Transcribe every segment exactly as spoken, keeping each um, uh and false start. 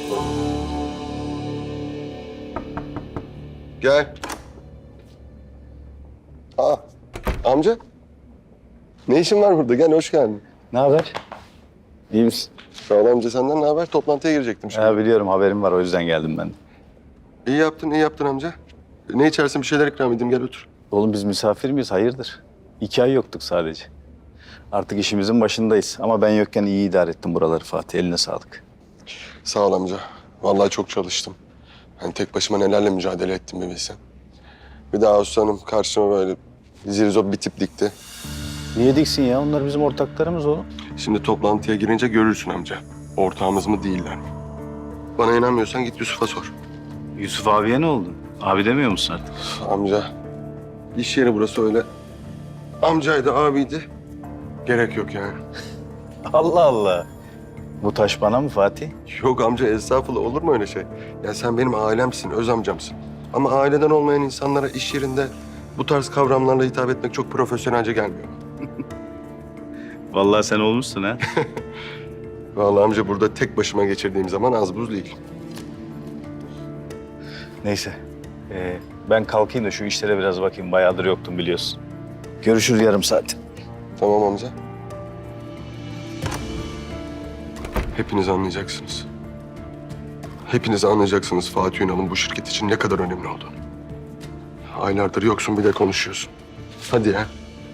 Gel. Aa, amca. Ne işin var burada? Gel, hoş geldin. Ne haber? İyi misin? Sağ ol amca, senden ne haber? Toplantıya girecektim şimdi. Ya biliyorum, haberim var, o yüzden geldim ben de. İyi yaptın, iyi yaptın amca. Ne içersin, bir şeyler ikram edeyim, gel otur. Oğlum biz misafir miyiz? Hayırdır? İki ay yoktuk sadece. Artık işimizin başındayız. Ama ben yokken iyi idare ettim buraları Fatih. Eline sağlık. Sağ ol amca. Vallahi çok çalıştım. Hani tek başıma nelerle mücadele ettim bir bilsen. Bir daha Ağustos Hanım karşıma böyle zirzop bir tip dikti. Niye diksin ya? Onlar bizim ortaklarımız oğlum. Şimdi toplantıya girince görürsün amca. Ortağımız mı değiller mi? Bana inanmıyorsan git Yusuf'a sor. Yusuf abiye ne oldu? Abi demiyor musun artık? Amca, iş yeri burası öyle. Amcaydı, abiydi. Gerek yok yani. Allah Allah. Bu taş bana mı Fatih? Yok amca, estağfurullah, olur mu öyle şey? Ya sen benim ailemsin, öz amcamsın. Ama aileden olmayan insanlara iş yerinde bu tarz kavramlarla hitap etmek çok profesyonelce gelmiyor. Vallahi sen olmuşsun ha. Vallahi amca, burada tek başıma geçirdiğim zaman az buz değil. Neyse. Ee, ben kalkayım da şu işlere biraz bakayım. Bayağıdır yoktum biliyorsun. Görüşürüz yarım saat. Tamam amca. Hepiniz anlayacaksınız. Hepiniz anlayacaksınız Fatih Ünal'ın bu şirket için ne kadar önemli olduğunu. Aylardır yoksun, bir de konuşuyorsun. Hadi ya.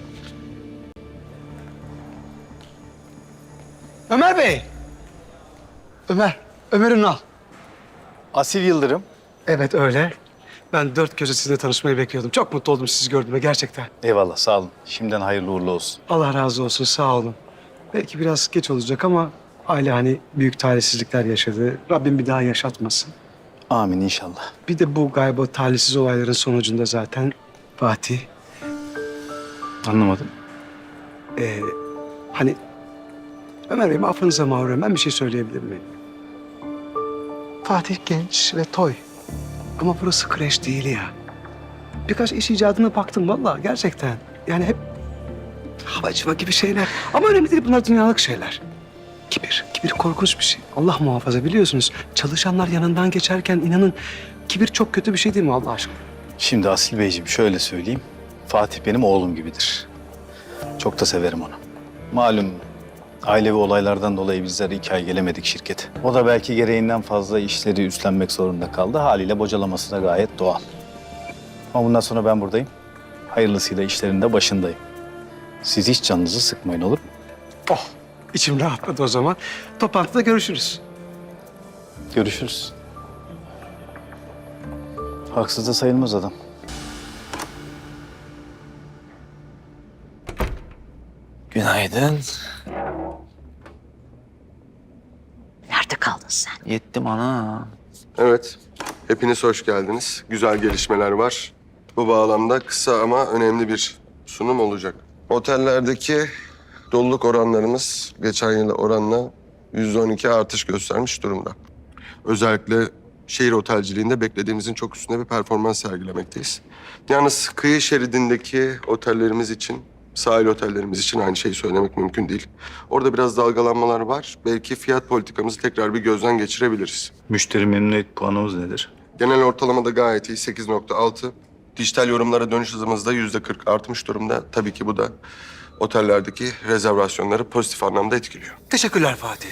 Ömer Bey. Ömer, Ömer Ünal. Asil Yıldırım. Evet öyle. Ben dört gözle sizinle tanışmayı bekliyordum. Çok mutlu oldum sizi gördüğüme gerçekten. Eyvallah, sağ olun. Şimdiden hayırlı uğurlu olsun. Allah razı olsun, sağ olun. Belki biraz geç olacak ama aile hani büyük talihsizlikler yaşadı. Rabbim bir daha yaşatmasın. Amin inşallah. Bir de bu galiba talihsiz olayların sonucunda zaten Fatih, Anlamadım. ee, hani Ömer Bey, affınıza mağruren ben bir şey söyleyebilir miyim? Fatih genç ve toy. Ama burası kreş değil ya. Birkaç iş icadına baktım vallahi gerçekten. Yani hep havacıva gibi şeyler. Ama önemli değil, bunlar dünyalık şeyler. Kibir, kibir korkunç bir şey. Allah muhafaza, biliyorsunuz. Çalışanlar yanından geçerken inanın kibir çok kötü bir şey değil mi Allah aşkına? Şimdi Asil Beyciğim şöyle söyleyeyim. Fatih benim oğlum gibidir. Çok da severim onu. Malum ailevi olaylardan dolayı bizler iki ay gelemedik şirkete. O da belki gereğinden fazla işleri üstlenmek zorunda kaldı. Haliyle bocalaması da gayet doğal. Ama bundan sonra ben buradayım. Hayırlısıyla işlerin de başındayım. Siz hiç canınızı sıkmayın, olur mu? Oh, içim rahatladı o zaman. Toplantıda görüşürüz. Görüşürüz. Haksız da sayılmaz adam. Günaydın. Nerede kaldın sen? Yettim ana. Evet, hepiniz hoş geldiniz. Güzel gelişmeler var. Bu bağlamda kısa ama önemli bir sunum olacak. Otellerdeki doluluk oranlarımız geçen yıla oranla yüzde on iki artış göstermiş durumda. Özellikle şehir otelciliğinde beklediğimizin çok üstünde bir performans sergilemekteyiz. Yalnız kıyı şeridindeki otellerimiz için, sahil otellerimiz için aynı şeyi söylemek mümkün değil. Orada biraz dalgalanmalar var. Belki fiyat politikamızı tekrar bir gözden geçirebiliriz. Müşteri memnuniyet puanımız nedir? Genel ortalamada gayet iyi, sekiz nokta altı. Dijital yorumlara dönüş hızımız da yüzde kırk artmış durumda. Tabii ki bu da otellerdeki rezervasyonları pozitif anlamda etkiliyor. Teşekkürler Fatih.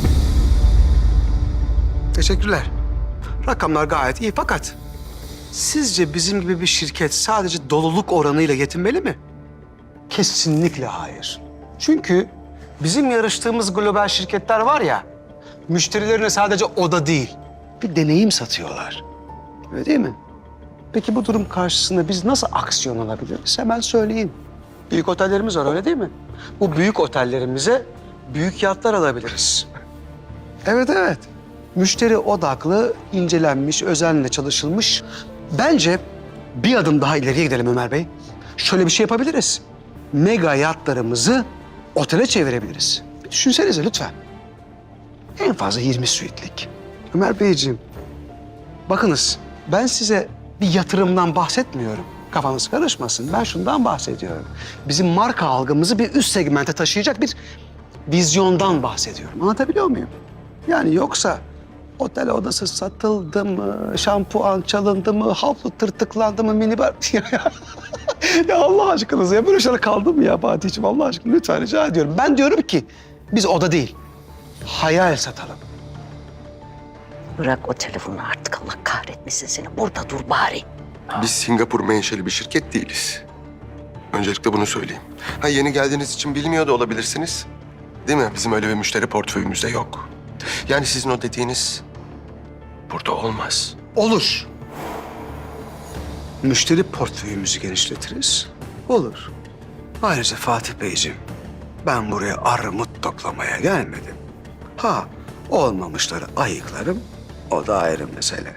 Teşekkürler. Rakamlar gayet iyi fakat sizce bizim gibi bir şirket sadece doluluk oranıyla yetinmeli mi? Kesinlikle hayır. Çünkü bizim yarıştığımız global şirketler var ya, müşterilerine sadece oda değil, bir deneyim satıyorlar. Öyle değil mi? Peki bu durum karşısında biz nasıl aksiyon alabiliriz? Hemen söyleyeyim. Büyük otellerimiz var, öyle değil mi? Bu büyük otellerimize büyük yatlar alabiliriz. Evet, evet. Müşteri odaklı, incelenmiş, özenle çalışılmış. Bence bir adım daha ileriye gidelim Ömer Bey. Şöyle bir şey yapabiliriz. Mega yatlarımızı otele çevirebiliriz. Bir düşünsenize lütfen. En fazla yirmi suitlik. Ömer Beyciğim, bakınız ben size bir yatırımdan bahsetmiyorum. Kafanız karışmasın. Ben şundan bahsediyorum. Bizim marka algımızı bir üst segmente taşıyacak bir vizyondan bahsediyorum. Anlatabiliyor muyum? Yani yoksa Otel odası satıldı mı? Şampuan çalındı mı? Havlu tırtıklandı mı? Minibar... Ya Allah aşkınıza ya böyle şeyler kaldı mı ya Fatih'ciğim? Allah aşkına lütfen rica ediyorum. Ben diyorum ki biz oda değil, hayal satalım. Bırak o telefonu artık, Allah kahretmesin seni. Burada dur bari. Biz Singapur menşeli bir şirket değiliz. Öncelikle bunu söyleyeyim. Ha, yeni geldiğiniz için bilmiyor da olabilirsiniz. Değil mi? Bizim öyle bir müşteri portföyümüzde yok. Yani sizin o dediğiniz burada olmaz. Olur. Müşteri portföyümüzü genişletiriz. Olur. Ayrıca Fatih Beyciğim, ben buraya armut toplamaya gelmedim. Ha, olmamışları ayıklarım, o da ayrı mesele.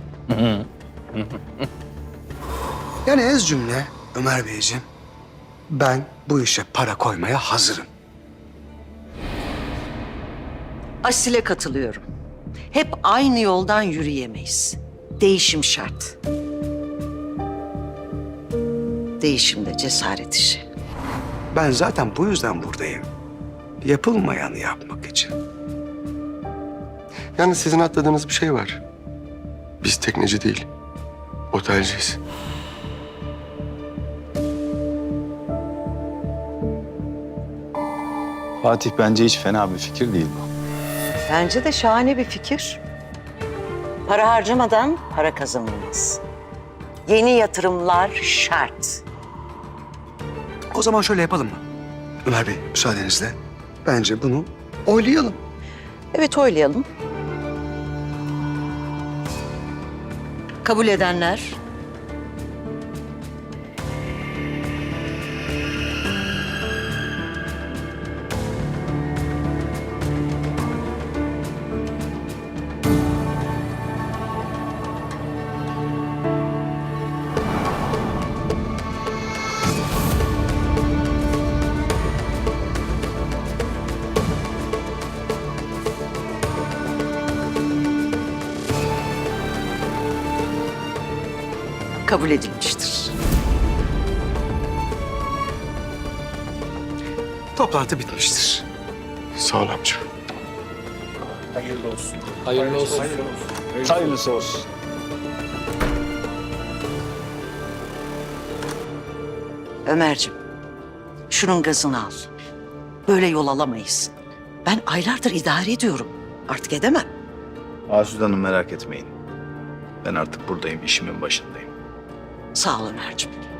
Yani ez cümle Ömer Beyciğim, ben bu işe para koymaya hazırım. Asil'e katılıyorum. Hep aynı yoldan yürüyemeyiz. Değişim şart. Değişim de cesaret işi. Ben zaten bu yüzden buradayım. Yapılmayanı yapmak için. Yalnız sizin atladığınız bir şey var. Biz tekneci değil, otelciyiz. Fatih bence hiç fena bir fikir değil bu. Bence de şahane bir fikir. Para harcamadan para kazanılmaz. Yeni yatırımlar şart. O zaman şöyle yapalım mı? Ömer Bey, müsaadenizle. Bence bunu oylayalım. Evet, oylayalım. Kabul edenler? Kabul edilmiştir. Toplantı bitmiştir. Sağ ol amca. Hayırlısı olsun. Ömerciğim, şunun gazını al. Böyle yol alamayız. Ben aylardır idare ediyorum. Artık edemem. Asude Hanım merak etmeyin. Ben artık buradayım, işimin başındayım. Sağ ol Ömerciğim.